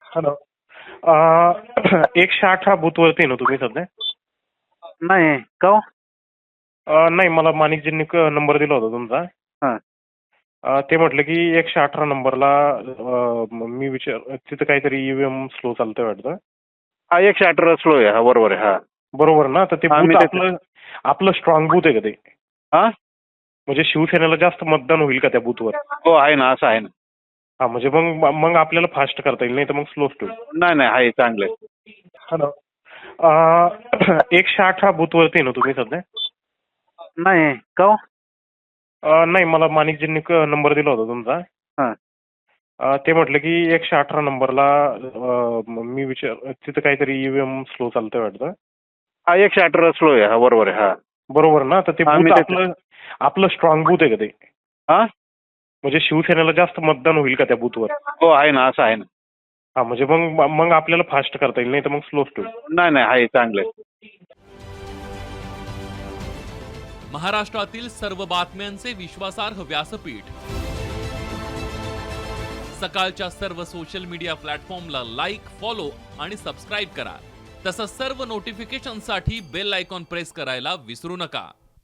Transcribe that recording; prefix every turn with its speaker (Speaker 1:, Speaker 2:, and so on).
Speaker 1: Hello. 108 हा बूथवरती आहे ना तुम्ही सध्या?
Speaker 2: नाही का हो?
Speaker 1: नाही, मला माणिकजींनी नंबर दिला होता तुमचा.
Speaker 2: हां.
Speaker 1: ते म्हटलं की 118 नंबरला मी तिथं काहीतरी ईव्हीएम स्लो चालतंय वाटतं.
Speaker 2: हा 118 स्लो आहे. हा बरोबर आहे. हा
Speaker 1: बरोबर ना? तर ते
Speaker 2: हा, मी
Speaker 1: बूथ
Speaker 2: तेच.
Speaker 1: आपलं आपलं स्ट्रॉंग बूथ आहे का ते?
Speaker 2: हा
Speaker 1: म्हणजे शिवसेनेला जास्त मतदान होईल का त्या बूथवर?
Speaker 2: हो आहे ना, असं आहे ना.
Speaker 1: हा, म्हणजे मग मग आपल्याला फास्ट करता येईल, नाही तर मग स्लो होईल.
Speaker 2: नाही नाही आहे, चांगलं आहे.
Speaker 1: हॅलो. 108 हा बूथवरती आहे ना तुम्ही सध्या?
Speaker 2: नाही का हो?
Speaker 1: नाही, मला माणिकजींनी नंबर दिला होता तुमचा.
Speaker 2: हां.
Speaker 1: ते म्हटलं की 118 नंबरला तिथं काहीतरी ईव्हीएम स्लो चालतंय वाटतं.
Speaker 2: हा 118 स्लो आहे. हा बरोबर आहे. हा
Speaker 1: बरोबर ना? तर ते
Speaker 2: हा, मी
Speaker 1: बूथ
Speaker 2: तेच.
Speaker 1: आपलं स्ट्रॉंग बूथ आहे का ते?
Speaker 2: हा
Speaker 1: म्हणजे शिवसेनेला जास्त मतदान होईल का त्या बूथवर?
Speaker 2: हो आहे ना, असं आहे ना.
Speaker 1: हा, म्हणजे मग मग आपल्याला फास्ट करता येईल, नाही तर मग स्लो होईल.
Speaker 2: नाही नाही आहे, चांगलं आहे.
Speaker 3: महाराष्ट्रातील सर्व बातम्यांचे विश्वासार्ह व्यासपीठ. सकाळच्या सर्व सोशल मीडिया प्लॅटफॉर्मला लाईक, फॉलो आणि सबस्क्राईब करा. तसंच सर्व नोटिफिकेशनसाठी बेल आयकॉन प्रेस करायला विसरू नका.